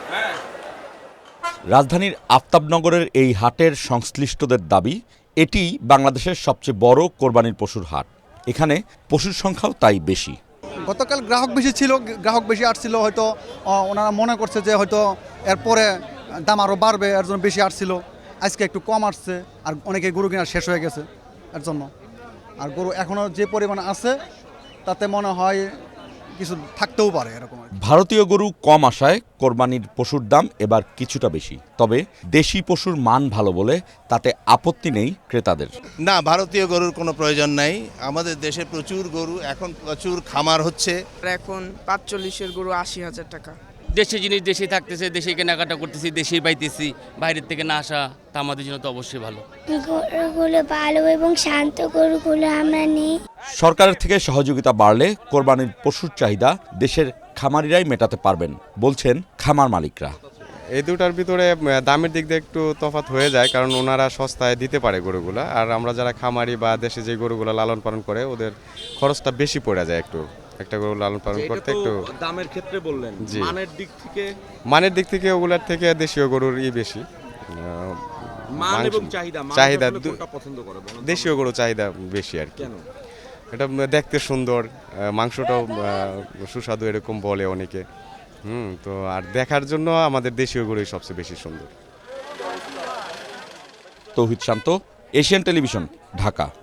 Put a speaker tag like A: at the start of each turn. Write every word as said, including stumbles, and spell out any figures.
A: রাজধানীর আফতাবনগরের এই হাটের সংশ্লিষ্টদের দাবি, এটি বাংলাদেশের সবচেয়ে বড় কোরবানির পশুর হাট। এখানে পশুর সংখ্যাও তাই বেশি।
B: গতকাল গ্রাহক বেশি ছিল, গ্রাহক বেশি আসছিল, হয়তো ওনারা মনে করছে যে হয়তো এরপরে দাম আরও বাড়বে, এর জন্য বেশি আসছিল। আজকে একটু কম আসছে, আর অনেকে গরু কেনা শেষ হয়ে গেছে এর জন্য। আর গরু এখনও যে পরিমাণ আছে তাতে মনে হয় কিছু থাকতেও পারে এরকম।
A: ভারতীয় গরু কম আসায় কোরবানির পশুর দাম এবার কিছুটা বেশি। তবে দেশি পশুর মান ভালো বলে তাতে আপত্তি নেই ক্রেতাদের।
C: না, ভারতীয় গরুর কোনো প্রয়োজন নাই। আমাদের দেশে প্রচুর গরু, এখন প্রচুর খামার হচ্ছে।
D: এখন পাঁচচল্লিশের গরু আশি হাজার টাকা।
E: দেশি জিনিস দেশে থাকতেছে, দেশে কেনাকাটা করতেছি, দেশেই পাইতেছি, বাইরের থেকে না আসা তা আমাদের জন্য তো অবশ্যই ভালো।
F: গরুগুলো ভালো এবং শান্ত গরুগুলো আমরা নিই।
A: সরকারের থেকে সহযোগিতা বাড়লে কোরবানির পশুর চাহিদা দেশের খামারিরাই মেটাতে পারবেন বলছেন খামার মালিকরা।
G: এই দুটার ভিতরে দামের দিক দিয়ে একটু তফাৎ হয়ে যায়, কারণ ওনারা সস্তায় দিতে পারে গরুগুলা, আর আমরা যারা খামারি বা দেশে যে গরুগুলো লালন পালন করে ওদের খরচটা বেশি পড়ে যায় একটু। একটা গরু লালন পালন করতে একটু
A: দামের ক্ষেত্রে বললেন, মানের দিক থেকে
G: মানের দিক থেকে ওগুলার থেকে দেশীয় গরুর ই বেশি
A: মান এবং চাহিদা
G: চাহিদা
A: কোনটা পছন্দ করে?
G: দেশীয় গরু চাহিদা বেশি আর কি। এটা দেখতে সুন্দর, মাংসটাও সুস্বাদু এরকম বলে অনেকে। হুম তো আর দেখার জন্য আমাদের দেশীয় গরুই সবচেয়ে বেশি সুন্দর।
A: Touhid Shanto, Asian television, Dhaka.